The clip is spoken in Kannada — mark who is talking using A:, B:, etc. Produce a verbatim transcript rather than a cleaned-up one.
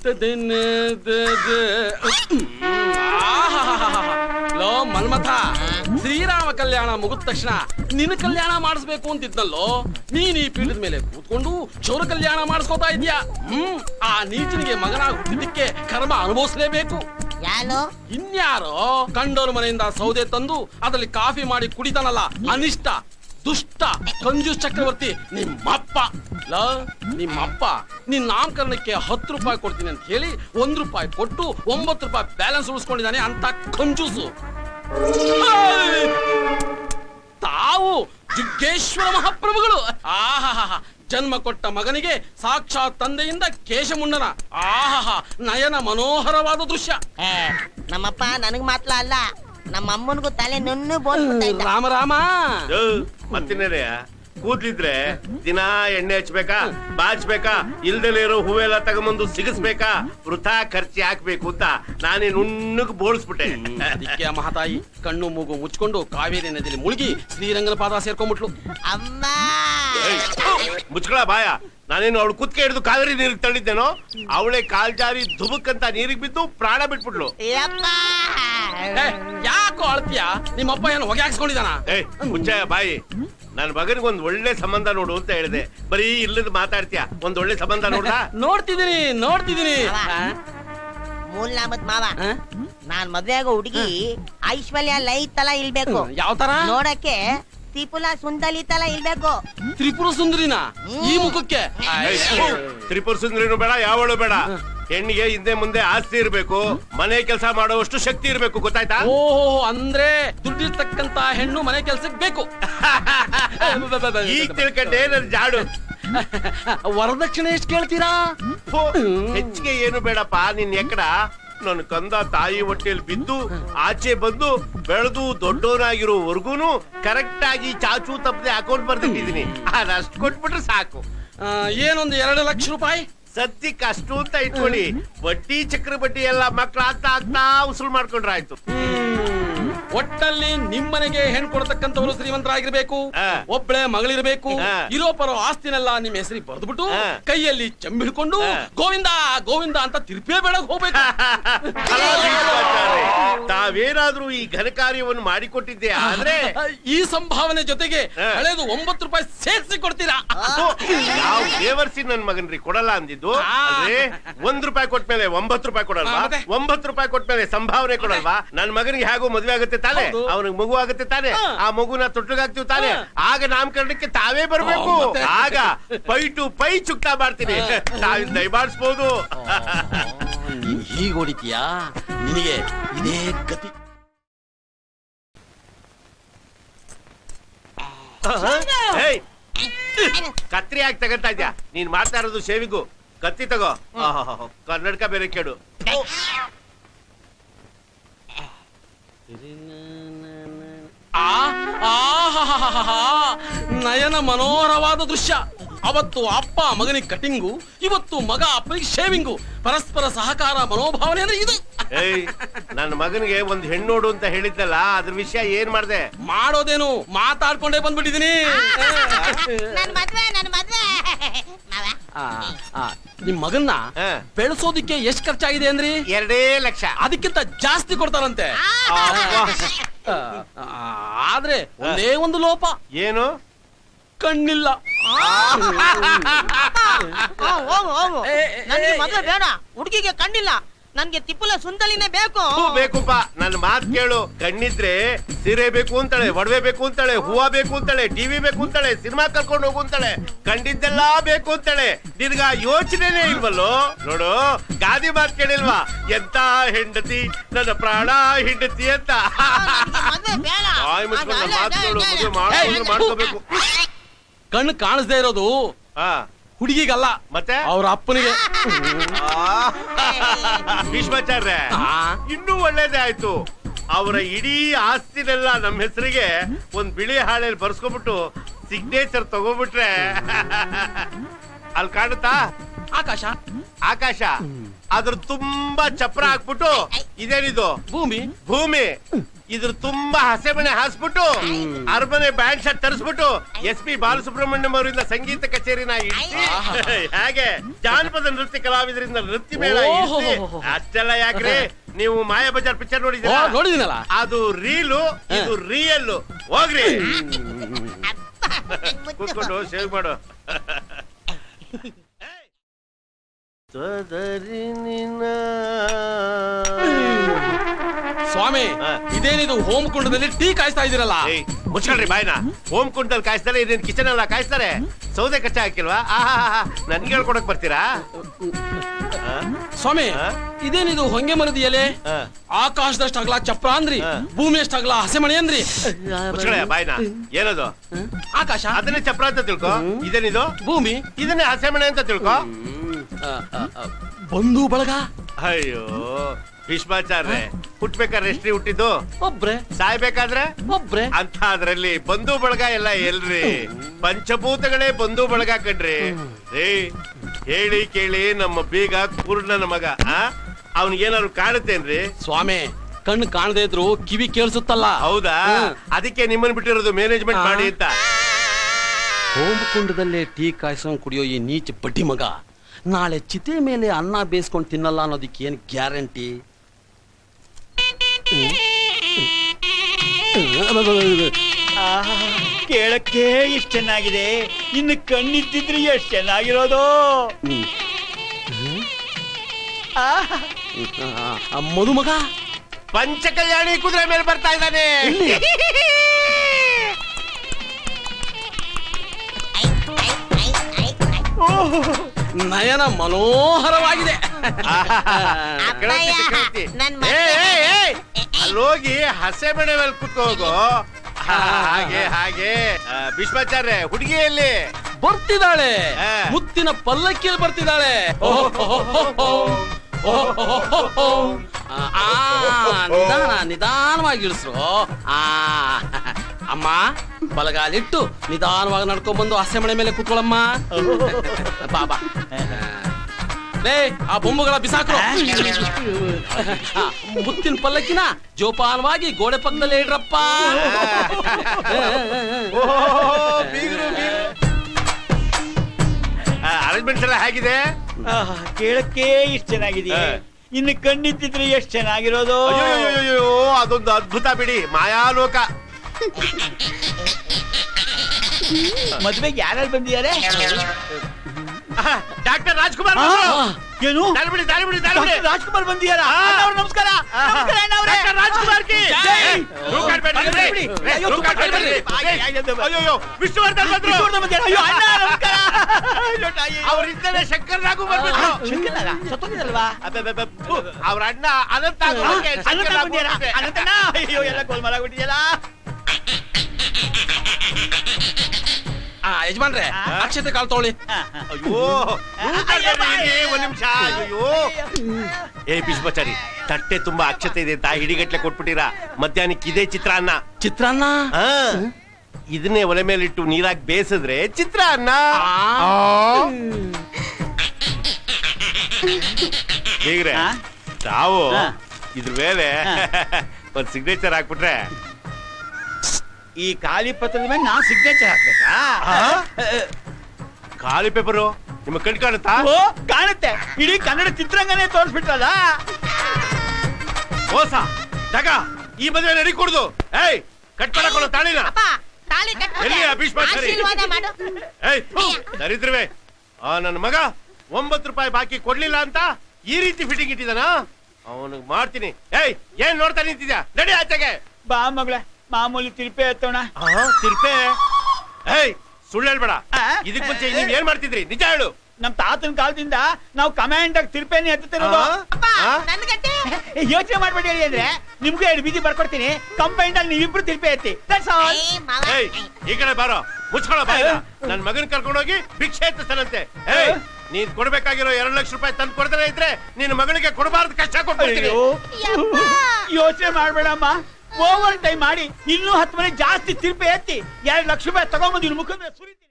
A: ಲೋ ಮನ್ಮಥ, ಶ್ರೀರಾಮ ಕಲ್ಯಾಣ ಮುಗಿದ ತಕ್ಷಣ ನಿನ್ನ ಕಲ್ಯಾಣ ಮಾಡಿಸ್ಬೇಕು ಅಂತಿದ್ನಲ್ಲೋ. ನೀನ್ ಈ ಪೀಠದ ಮೇಲೆ ಕೂತ್ಕೊಂಡು ಚೌರ ಕಲ್ಯಾಣ ಮಾಡಿಸ್ಕೋತಾ ಇದ್ಯಾ. ಹ್ಮ್ ಆ ನೀಚನಿಗೆ ಮಗನಾಗಿ ಹುಟ್ಟಿದ್ದಕ್ಕೆ ಕರ್ಮ ಅನುಭವಿಸ್ಲೇಬೇಕು. ಇನ್ಯಾರೋ ಕಂಡೋರ್ ಮನೆಯಿಂದ ಸೌದೆ ತಂದು ಅದರಲ್ಲಿ ಕಾಫಿ ಮಾಡಿ ಕುಡಿತಾನಲ್ಲ, ಅನಿಷ್ಟ ದುಷ್ಟ ಕಂಜೂಸ್ ಚಕ್ರವರ್ತಿ ನಿಮ್ಮಪ್ಪ. ಲ ನಿಮ್ಮಪ್ಪ ನಿನ್ ನಾಮಕರಣಕ್ಕೆ ಹತ್ತು ರೂಪಾಯಿ ಕೊಡ್ತೀನಿ ಅಂತ ಹೇಳಿ ಒಂದ್ ರೂಪಾಯಿ ಕೊಟ್ಟು ಒಂಬತ್ತು ರೂಪಾಯಿ ಬ್ಯಾಲೆನ್ಸ್ ಉಳಿಸ್ಕೊಂಡಿದ್ದಾನೆ ಅಂತ ಕಂಜೂಸು. ತಾವು ಜುಗ್ಗೇಶ್ವರ ಮಹಾಪ್ರಭುಗಳು. ಆಹಾ, ಜನ್ಮ ಕೊಟ್ಟ ಮಗನಿಗೆ ಸಾಕ್ಷಾತ್ ತಂದೆಯಿಂದ ಕೇಶಮುಂಡನ. ಆಹಾ, ನಯನ ಮನೋಹರವಾದ ದೃಶ್ಯ.
B: ನಮ್ಮಪ್ಪ ನನಗ್ ಮಾತ್ರ ಅಲ್ಲ, ನಮ್ಮ ಅಮ್ಮನಿಗೂ ತಲೆ ನುಣ್ಣು ಬೋಲ್ಬಿಡ್ತಾ ಇದ್ದ.
A: ರಾಮ ರಾಮ
C: ಮತ್ತಿನ್ನೇನೆಯ ಕೂದ್ಲಿದ್ರೆ ದಿನ ಎಣ್ಣೆ ಹಚ್ಬೇಕಾ, ಬಾಚ್ಬೇಕಾ, ಇಲ್ದಲೇ ಇರೋ ಹೂವೆಲ್ಲ ತಗೊಂಬಂದು ಸಿಗಿಸ್ಬೇಕಾ, ವೃಥಾ ಖರ್ಚಿ ಹಾಕ್ಬೇಕು ಅಂತ ನಾನೇ ನುಣ್ಣಗ್ ಬೋಳಿಸ್ಬಿಟ್ಟೆ.
A: ಅದಕ್ಕೆ ಆ ಮಹಾತಾಯಿ ಕಣ್ಣು ಮೂಗು ಮುಚ್ಕೊಂಡು ಕಾವೇರಿ ನದಿಯಲ್ಲಿ ಮುಳುಗಿ ಶ್ರೀರಂಗನ ಪಾದ ಸೇರ್ಕೊಂಡ್ಬಿಟ್ಲು.
B: ಅಮ್ಮ
C: ಮುಚ್ಕೊಳ ಬಾಯ. ನಾನೇನು ಅವಳು ಕುತ್ಕೆ ಹಿಡಿದು ಕಾವೇರಿ ನೀರಿಗೆ ತಳ್ಳಿದ್ದೇನೋ, ಅವಳೆ ಕಾಲ್ ಜಾರಿ ಧುಬುಕ್ ಅಂತ ನೀರಿಗೆ ಬಿದ್ದು ಪ್ರಾಣ ಬಿಟ್ಬಿಟ್ಲು.
A: ಯಾಕೋ ಅಳ್ತೀಯ? ನಿಮ್ಮಪ್ಪ ಏನು ಹೊಗೆ ಹಾಕ್ಸ್ಕೊಂಡಿದಾನ?
C: ಏ ಮುಚ್ಚಾಯ ಬಾಯಿ. ನನ್ ಮಗನಿಗೆ ಒಂದ್ ಒಳ್ಳೆ ಸಂಬಂಧ ನೋಡು ಅಂತ ಹೇಳಿದೆ, ಬರೀ ಇಲ್ಲದ ಮಾತಾಡ್ತೀಯ. ಒಂದ್ ಒಳ್ಳೆ ಸಂಬಂಧ ನೋಡ.
A: ನೋಡ್ತಿದೀನಿ ನೋಡ್ತಿದೀನಿ
B: ಮೂಲ್ ನಾಮದ್ ಮಾವ, ನಾನ್ ಮದ್ವೆ ಆಗೋ ಹುಡುಗಿ ಐಶ್ವರ್ಯ ಲೈ ತರ ಇಲ್ಬೇಕು.
A: ಯಾವ ತರ
B: ನೋಡಕ್ಕೆ ತ್ರಿಪುರ ಸುಂದರಿ ತರ ಇಲ್ಬೇಕು.
A: ತ್ರಿಪುರ ಸುಂದರಿನ ಈ ಮುಖಕ್ಕೆ?
C: ತ್ರಿಪುರ ಸುಂದರಿನೂ ಬೇಡ, ಯಾವಳು ಬೇಡ. ಹೆಣ್ಣಿಗೆ ಹಿಂದೆ ಮುಂದೆ ಆಸ್ತಿ ಇರ್ಬೇಕು, ಮನೆ ಕೆಲಸ ಮಾಡುವಷ್ಟು ಶಕ್ತಿ ಇರ್ಬೇಕು, ಗೊತ್ತಾಯ್ತಾ?
A: ಓಹೋ, ಅಂದ್ರೆ ದುಡ್ಡಿರ್ತಕ್ಕಂತ ಹೆಣ್ಣು ಮನೆ ಕೆಲ್ಸಕ್ಕೆ ಬೇಕು.
C: ಈಗ ತಿಳ್ಕೊಂಡೆ ನನ್ ಜಾಡು.
A: ವರದಕ್ಷಿಣೆ ಎಷ್ಟು ಕೇಳ್ತೀರಾ?
C: ಹೆಚ್ಚಿಗೆ ಏನು ಬೇಡಪ್ಪ. ನಿನ್ ಎಕ್ಕಡ ನನ್ ಕಂದ ತಾಯಿ ಹೊಟ್ಟೆಯಲ್ಲಿ ಬಿದ್ದು ಆಚೆ ಬಂದು ಬೆಳೆದು ದೊಡ್ಡವನಾಗಿರೋವರ್ಗೂನು ಕರೆಕ್ಟ್ ಆಗಿ ಚಾಚು ತಪ್ಪದೆ ಅಕೌಂಟ್ ಬರ್ದಿಟ್ಟಿದೀನಿ. ಅದಷ್ಟು ಕೊಟ್ಬಿಟ್ರೆ ಸಾಕು.
A: ಏನೊಂದು ಎರಡು ಲಕ್ಷ ರೂಪಾಯಿ
C: ಸದ್ಯಕ್ಕೆ ಅಷ್ಟು ಅಂತ ಇಟ್ಕೊಳ್ಳಿ. ಬಡ್ಡಿ ಚಕ್ರ ಬಡ್ಡಿ ಎಲ್ಲ ಮಕ್ಳು ಆಗ್ತಾ ಆಗ್ತಾ ಉಸುಲ್ ಮಾಡ್ಕೊಂಡ್ರೆ ಆಯ್ತು.
A: ಒಟ್ಟಲ್ಲಿ ನಿಮ್ಮನೆಗೆ ಹೆಣ್ ಕೊಡ್ತಕ್ಕಂಥವ್ರು ಶ್ರೀಮಂತರಾಗಿರ್ಬೇಕು, ಒಬ್ಬಳೆ ಮಗಳಿರ್ಬೇಕು. ಇರೋ ಪರೋ ಆಸ್ತಿನೆಲ್ಲ ನಿಮ್ಮ ಹೆಸರಿಗೆ ಬರೆದ್ಬಿಟ್ಟು ಕೈಯಲ್ಲಿ ಚೆಂಬು ಹಿಡ್ಕೊಂಡು ಗೋವಿಂದ ಗೋವಿಂದ ಅಂತ ತಿರುಪೇ ಬೇಡಕ್ ಹೋಗ್ಬೇಕು.
C: ತಾವೇನಾದ್ರೂ ಈ ಘನ ಕಾರ್ಯವನ್ನು ಮಾಡಿಕೊಟ್ಟಿದ್ದೆ ಆದ್ರೆ
A: ಈ ಸಂಭಾವನೆ ಜೊತೆಗೆ ಹಳೇದು ಒಂಬತ್ತು ರೂಪಾಯಿ ಸೇರಿಸಿ ಕೊಡ್ತೀರಾ?
C: ಯಾವ ದೇವರ್ಸಿ ನನ್ ಮಗನ್ರಿ ಕೊಡಲ್ಲ ಅಂದಿದ್ದು. ಒಂದ್ ರೂಪಾಯಿ ಕೊಟ್ಮೇಲೆ ಒಂಬತ್ತು ರೂಪಾಯಿ ಕೊಡಲ್ವಾ? ಒಂಬತ್ತು ರೂಪಾಯಿ ಕೊಟ್ಮೇಲೆ ಸಂಭಾವನೆ ಕೊಡಲ್ವಾ? ನನ್ ಮಗನಿಗೆ ಹೇಗೋ ಮದ್ವೆ ಆಗುತ್ತೆ ತಾನೆ, ಅವನಿಗೆ ಮಗು ಆಗುತ್ತೆ ತಾನೆ, ಆ ಮಗುನ ತೊಟ್ಟಿಗಾಗ್ತೀವಿ ತಾನೆ, ಆಗ ನಾಮಕರಣಕ್ಕೆ ತಾವೇ ಬರ್ಬೇಕು. ಆಗ ಪೈ ಟು ಪೈ ಚುಕ್ತಾ ಮಾಡ್ತೀನಿ, ತಾವಿಂದ ದಯಮಾಡಿಸ್ಬೋದು.
A: ಹೀಗೆ ಹೊಡಿತೀಯಾ? ನಿನಗೆ ಇದೇ ಗತಿ.
C: ಕತ್ರಿ ಹಾಕಿ ತಗಂತ ಇದ್ಯಾ ನೀನ್ ಮಾಡ್ತಾ ಇರೋದು ಶೇವಿಗೂ. ಕತ್ತಿ ತಗೋ. ಕನ್ನಡಕ ಬೇರೆ ಕೇಳು.
A: ನಯನ ಮನೋಹರವಾದ ದೃಶ್ಯ. ಅವತ್ತು ಅಪ್ಪ ಮಗನಿಗೆ ಕಟಿಂಗು, ಇವತ್ತು ಮಗ ಅಪ್ಪನಿಗೆ ಶೇವಿಂಗು. ಪರಸ್ಪರ ಸಹಕಾರ ಮನೋಭಾವನೆ ಅಂದ್ರೆ ಇದು.
C: ಏಯ್, ನನ್ನ ಮಗನಿಗೆ ಒಂದ್ ಹೆಣ್ಣೋಡು ಅಂತ ಹೇಳಿದ್ದಲ್ಲ, ಅದ್ರ ವಿಷಯ ಏನ್ ಮಾಡ್ದೆ?
A: ಮಾಡೋದೇನು, ಮಾತಾಡ್ಕೊಂಡೇ ಬಂದ್ಬಿಟ್ಟಿದೀನಿ. ನಿಮ್ ಮಗನ್ನ ಬೆಳೆಸೋದಿಕ್ಕೆ ಎಷ್ಟ್ ಖರ್ಚಾಗಿದೆ ಅಂದ್ರಿ?
C: ಎರಡೇ ಲಕ್ಷ.
A: ಅದಕ್ಕಿಂತ ಜಾಸ್ತಿ ಕೊಡ್ತಾರಂತೆ. ಆದ್ರೆ ಒಂದೇ ಒಂದು ಲೋಪ.
C: ಏನು?
B: ಕಣ್ಣಿಲ್ಲ. ಮದುವೆ ಬೇಡ, ಹುಡುಗಿಗೆ ಕಣ್ಣಿಲ್ಲ, ನನ್ಗೆ ತಿಪ್ಪಲ ಸುಂದಲಿನೇ ಬೇಕು.
C: ಬೇಕುಪ್ಪ, ನನ್ ಮಾತ್ ಕೇಳು. ಕಣ್ಣಿದ್ರೆ ಸೀರೆ ಬೇಕು ಅಂತಾಳೆ, ಒಡವೆ ಬೇಕು ಅಂತಾಳೆ, ಹೂವ ಬೇಕು ಅಂತಾಳೆ, ಟಿವಿ ಬೇಕು ಅಂತಾಳೆ, ಸಿನಿಮಾ ಕರ್ಕೊಂಡು ಹೋಗು ಅಂತಾಳೆ, ಕಂಡಿದ್ದೆಲ್ಲಾ ಬೇಕು ಅಂತಾಳೆ. ನಿನ್ಗ ಯೋಚನೆನೇ ಇಲ್ವಲ್ಲೋ? ನೋಡು, ಗಾದಿ ಮಾತ್ ಕೇಳಿಲ್ವಾ? ಎಂತ ಹೆಂಡತಿ ನನ್ನ ಪ್ರಾಣ ಹೆಂಡತಿ ಅಂತ. ಮಾಡ್ಕೋಬೇಕು.
A: ಕಣ್ಣು ಕಾಣಿಸ್ದೇ ಇರೋದು ಹುಡುಗಿಗಲ್ಲ,
C: ಮತ್ತೆ
A: ಅವ್ರ ಅಪ್ಪನಿಗೆ.
C: ಭೀಷ್ಮಾಚಾರ್ಯ, ಇನ್ನೂ ಒಳ್ಳೇದೇ ಆಯ್ತು. ಅವರ ಇಡೀ ಆಸ್ತಿನೆಲ್ಲ ನಮ್ಮ ಹೆಸರಿಗೆ ಒಂದ್ ಬಿಳಿ ಹಾಳೆಯಲ್ಲಿ ಬರ್ಸ್ಕೊಬಿಟ್ಟು ಸಿಗ್ನೇಚರ್ ತಗೋಬಿಟ್ರೆ ಅಲ್ಲಿ ಕಾಣುತ್ತಾ?
A: ಆಕಾಶ
C: ಆಕಾಶ ಅದ್ರ ತುಂಬಾ ಚಪ್ರ ಹಾಕ್ಬಿಟ್ಟು ಇದೇನಿದು
A: ಭೂಮಿ
C: ಭೂಮಿ ಇದ್ರ ತುಂಬಾ ಹಸೆಮಣೆ ಹಾಸ್ಬಿಟ್ಟು ಅರಮನೆ ಬ್ಯಾಂಡ್ ಶರ್ಟ್ ತರಿಸ್ಬಿಟ್ಟು ಎಸ್ ಪಿ ಬಾಲಸುಬ್ರಹ್ಮಣ್ಯಂ ಅವರಿಂದ ಸಂಗೀತ ಕಚೇರಿನ ಇಡ್ಸಿ ಹಾಗೆ ಜಾನಪದ ನೃತ್ಯ ಕಲಾವಿದರಿಂದ ನೃತ್ಯ ಮೇಳ ಇಡ್ಸಿ ಅಷ್ಟೆಲ್ಲ ಯಾಕ್ರಿ ನೀವು ಮಾಯಾ ಬಜಾರ್ ಪಿಕ್ಚರ್ ನೋಡಿದ್ದೀರಾ
A: ನೋಡಿದಿನಲ್ಲ
C: ಅದು ರೀಲು ಇದು ರಿಯಲ್ ಹೋಗ್ರಿ ಕೂತ್ಕೊಂಡು ಸೇವ್ ಮಾಡು
A: ಸ್ವಾಮಿ ಇದೇನಿದು ಹೋಮ್ ಕುಂಡದಲ್ಲಿ ಟೀ ಕಾಯಿಸ್ತಾ ಇದೀರಲ್ಲ
C: ಮುಚ್ಕೊಳ್ರಿ ಬಾಯ್ನ ಹೋಮ್ ಕುಂಡದಲ್ಲಿ ಕಾಯಿಸ್ತಾರೆ ಇದೇನ್ ಕಿಚನ್ ಎಲ್ಲ ಕಾಯಿಸ್ತಾರೆ ಸೌದೆ ಕಚ್ಚಾ ಹಾಕಿಲ್ವಾ ಆಹಾ ನನ್ಗೆ ಹೇಳ್ಕೊಡಕ್ ಬರ್ತೀರಾ
A: ಸ್ವಾಮಿ ಇದೇನಿದು ಹೊಂಗೆ ಮರದ ಎಲೆ ಆಕಾಶದಷ್ಟು ಅಗಲ ಚಪ್ರ ಅಂದ್ರಿ ಭೂಮಿ ಅಷ್ಟು ಅಗಲ ಹಸೆಮಣೆ ಅಂದ್ರಿ
C: ಮುಚ್ಕೊಳ ಬಾಯ್ನ ಏನದು
A: ಆಕಾಶ
C: ಅದನ್ನೇ ಚಪ್ರ ಅಂತ ತಿಳ್ಕೊ ಇದೇನಿದು
A: ಭೂಮಿ
C: ಇದನ್ನೇ ಹಸೆಮಣೆ ಅಂತ ತಿಳ್ಕೊ
A: ಬಂಧು ಬಳಗ
C: ಅಯ್ಯೋ ಭೀಷ್ಮಾಚಾರ್ಯ ಹುಟ್ಬೇಕಾದ್ರೆ ಎಷ್ಟ್ರಿ ಹುಟ್ಟಿದ್ದು
A: ಒಬ್ರೆ
C: ಸಾಯ್ಬೇಕಾದ್ರೆ
A: ಒಬ್ರೆ
C: ಅಂತ ಅದ್ರಲ್ಲಿ ಬಂಧು ಬಳಗ ಎಲ್ಲ ಎಲ್ರಿ ಪಂಚಭೂತಗಳೇ ಬಂಧು ಬಳಗ ಕಣ್ರಿ ಏ ಹೇಳಿ ಕೇಳಿ ನಮ್ಮ ಬೀಗ ಪೂರ್ಣನ ಮಗ ಅವನಿಗೇನಾದ್ರು ಕಾಣುತ್ತೇನ್ರಿ
A: ಸ್ವಾಮಿ ಕಣ್ಣು ಕಾಣದೇ ಇದ್ರು ಕಿವಿ ಕೇಳಿಸುತ್ತಲ್ಲ
C: ಹೌದಾ ಅದಕ್ಕೆ ನಿಮ್ಮನ್ ಬಿಟ್ಟಿರೋದು ಮ್ಯಾನೇಜ್ಮೆಂಟ್ ಮಾಡಿ ಅಂತ
A: ಹೋಮಕುಂಡದಲ್ಲೇ ಟೀ ಕಾಯಿಸ್ಕೊಂಡ್ ಕುಡಿಯೋ ಈ ನೀಚ ಬಡ್ಡಿ ಮಗ ನಾಳೆ ಚಿತೆ ಮೇಲೆ ಅನ್ನ ಬೇಯಿಸ್ಕೊಂಡು ತಿನ್ನಲ್ಲ ಅನ್ನೋದಕ್ಕೆ ಏನ್ ಗ್ಯಾರಂಟಿ
D: ಕೇಳಕ್ಕೆ ಇಷ್ಟ ಚೆನ್ನಾಗಿದೆ ಇನ್ನು ಕಣ್ಣಿದ್ದಿದ್ರೆ ಎಷ್ಟು ಚೆನ್ನಾಗಿರೋದು
A: ಮದುಮಗ
C: ಪಂಚ ಕಲ್ಯಾಣಿ ಕುದುರೆ ಮೇಲೆ ಬರ್ತಾ ಇದ್ದಾನೆ
A: ನಯನ ಮನೋಹರವಾಗಿದೆ
C: ಅಲ್ಲೋಗಿ ಹಸೆ ಮನೆ ಮೇಲೆ ಕುತ್ಕೋಗು ಹಾಗೆ ಹಾಗೆ ಭೀಷ್ಮಾಚಾರ್ಯ ಹುಡುಗಿಯಲ್ಲಿ
A: ಬರ್ತಿದ್ದಾಳೆ ಮುತ್ತಿನ ಪಲ್ಲಕ್ಕಿಯಲ್ಲಿ ಬರ್ತಿದ್ದಾಳೆ ನಿಧಾನ ನಿಧಾನವಾಗಿ ಇಳಿಸ್ರು ಆ ಅಮ್ಮ ಬಲಗಾಲಿಟ್ಟು ನಿಧಾನವಾಗಿ ನಡ್ಕೊಂಡ್ ಬಂದು ಹಸೆ ಮನೆ ಮೇಲೆ ಕೂತ್ಕೊಳ್ಳಮ್ಮ ಬಾಬಾ ಲೇ ಆ ಬೊಂಬುಗಳ ಬಿಸಾಕ್ರು ಮುತ್ತಿನ ಪಲ್ಲಕ್ಕಿನ ಜೋಪಾನವಾಗಿ ಗೋಡೆ ಪಕ್ಕದಲ್ಲೇ ಇಡ್ರಪ್ಪ
C: ಅರೇಂಜ್ಮೆಂಟ್ಸ್ ಎಲ್ಲ ಹೇಗಿದೆ
D: ಕೇಳಕ್ಕೆ ಇಷ್ಟ ಚೆನ್ನಾಗಿದೆ ಇನ್ನು ಕಣ್ಣಿದ್ದಿದ್ರೆ ಎಷ್ಟು ಚೆನ್ನಾಗಿರೋದು
C: ಅಯ್ಯೋ ಅದೊಂದು ಅದ್ಭುತ ಬಿಡಿ ಮಾಯಾಲೋಕ
D: ಮದ್ವೆಗೆ ಯಾರ್ಯಾರು ಬಂದಿದ್ದಾರೆ
C: ಡಾಕ್ಟರ್ ರಾಜ್ಕುಮಾರ್
D: ಏನು
C: ಬಿಡಿ ದಾರಿ ಬಿಡಿ ದಾರಿ ಬಿಡಿ
D: ರಾಜ್ಕುಮಾರ್ ಬಂದಿದ್ದಾರಾ ನಮಸ್ಕಾರ
C: ರಾಜ್ಕುಮಾರ್ ಕಿ ಅಯ್ಯೋ ವಿಷ್ಣುವರ್ಧನ್ ಅವರಿದ್ದರೆ ಶಂಕರ್ ನಾಗು ಬರ್ಬೇಕು
D: ಸತ್ತೋಗಿದಲ್ವಾ
C: ಅವ್ರ ಅಣ್ಣ ಅನಂತ
D: ಅನಂತಣ್ಣ ಅಯ್ಯೋ ಎಲ್ಲ ಗೋಲ್ಮಾಲ್ ಆಗ್ಬಿಟ್ಟಿದೆಯಲ್ಲ
A: ಯಜಮಾನ್ರೆ ಅಕ್ಷತೆ ಕಾಲ್ ತಗೊಳ್ಳಿ
C: ಅಯ್ಯೋ ಒಂದ್ ನಿಮಿಷ ಅಯ್ಯೋ ಏ ಭೀಷ್ಮಾಚಾರಿ ತಟ್ಟೆ ತುಂಬಾ ಅಕ್ಷತೆ ಇದೆ ಅಂತ ಹಿಡಿಗಟ್ಲೆ ಕೊಟ್ಬಿಟ್ಟಿರಾ ಮಧ್ಯಾಹ್ನಕ್ಕೆ ಇದೇ ಚಿತ್ರಾನ್ನ
A: ಚಿತ್ರಾನ್ನ
C: ಇದನ್ನೇ ಒಲೆ ಮೇಲಿಟ್ಟು ನೀರಾಗಿ ಬೇಯಿಸಿದ್ರೆ ಚಿತ್ರಾನ್ನ ಹೇಗ್ರೆ ತಾವು ಇದ್ರ ಮೇಲೆ ಒಂದ್ ಸಿಗ್ನೇಚರ್ ಹಾಕ್ಬಿಟ್ರೆ
D: ಈ ಖಾಲಿ ಪತ್ರದ ಮೇಲೆ ನಾವು ಸಿಗ್ನೇಚರ್ ಹಾಕ್ಬೇಕಾ
C: ಖಾಲಿ ಪೇಪರು ನಿಮ್ಮ ಕಣ್ ಕಾಣುತ್ತಾ
D: ಓ ಕಾಣುತ್ತೆ ಇಡೀ ಕನ್ನಡ ಚಿತ್ರರಂಗನೇ ತೋರಿಸ್ಬಿಟ್ರಲ್ಲ
C: ಮೋಸ ತಗ ಈ ಮದುವೆ ನಡಿ ಕೊಡುದು ಏಯ್ ಕಟ್ ಮಾಡಕೊಳ್ಳೋ ತಾಳಿನ ಎಲ್ಲಿ ಭೀಷ್ಮಾಚಾರಿ ಏಯ್ ದರಿದ್ರವೇ ಆ ನನ್ನ ಮಗ ಒಂಬತ್ತು ರೂಪಾಯಿ ಬಾಕಿ ಕೊಡ್ಲಿಲ್ಲ ಅಂತ ಈ ರೀತಿ ಫಿಟ್ಟಿಂಗ್ ಇಟ್ಟಿದಾನ ಅವನಿಗೆ ಮಾಡ್ತೀನಿ ಏಯ್ ಏನ್ ನೋಡ್ತಾ ನಿಂತಿದ್ಯಾ ನಡಿ ಆಚೆಗೆ
D: ಬಾ ಮಗಳೇ ಮಾಮೂಲಿ ತಿರುಪೆ ಎತ್ತೋಣ
C: ತಿರುಪೆ ಏಯ್ ಸುಳ್ಳು ಹೇಳ್ಬೇಡ ಇದಕ್ ಮುಂಚೆ ನೀವ್ ಏನ್ ಮಾಡ್ತಿದ್ರಿ ನಿಜ ಹೇಳು
D: ನಮ್ ತಾತನ ಕಾಲದಿಂದ ನಾವು ಕಮಾಂಡ್ ಆಗಿ ತಿರುಪೆನೆ ಎತ್ತುತ್ತಿರೋದು ಯೋಚನೆ ಮಾಡ್ಬೇಡಿ ಹೇಳಿ ಅಂದ್ರೆ ನಿಮ್ಗೂ ಎರಡು ಬೀದಿ ಬರ್ಕೊಡ್ತೀನಿ ಕಂಪೈಂಡ್ ಅಲ್ಲಿ ನೀವಿಬ್ರು ತಿರುಪೆ ಎತ್ತಿ
C: ಈ ಕಡೆ ಬಾರೋ ಮುಚ್ಕೊಳ್ಳೋ ಬಾಯ ನನ್ ಮಗನ್ ಕರ್ಕೊಂಡೋಗಿ ಭಿಕ್ಷೆ ಎತ್ತಿಸ್ತಾನಂತೆ ಏಯ್ ನೀನ್ ಕೊಡ್ಬೇಕಾಗಿರೋ ಎರಡ್ ಲಕ್ಷ ರೂಪಾಯಿ ತಂದು ಕೊಡ್ತಾನೆ ಇದ್ರೆ ನಿನ್ ಮಗಳಿಗೆ ಕೊಡಬಾರ್ದು ಕಷ್ಟ ಕೊಡ್ತೀನಿ
D: ಯೋಚನೆ ಮಾಡ್ಬೇಡಮ್ಮ ಓವರ್ ಟೈಮ್ ಮಾಡಿ ಇನ್ನೂ ಹತ್ತು ಮನೆ ಜಾಸ್ತಿ ತಿರುಪೆ ಎತ್ತಿ ಎರಡು ಲಕ್ಷ ರೂಪಾಯಿ ತಗೊಂಡ್ಬಂದು ಮುಖದ ಸುರಿತೀನಿ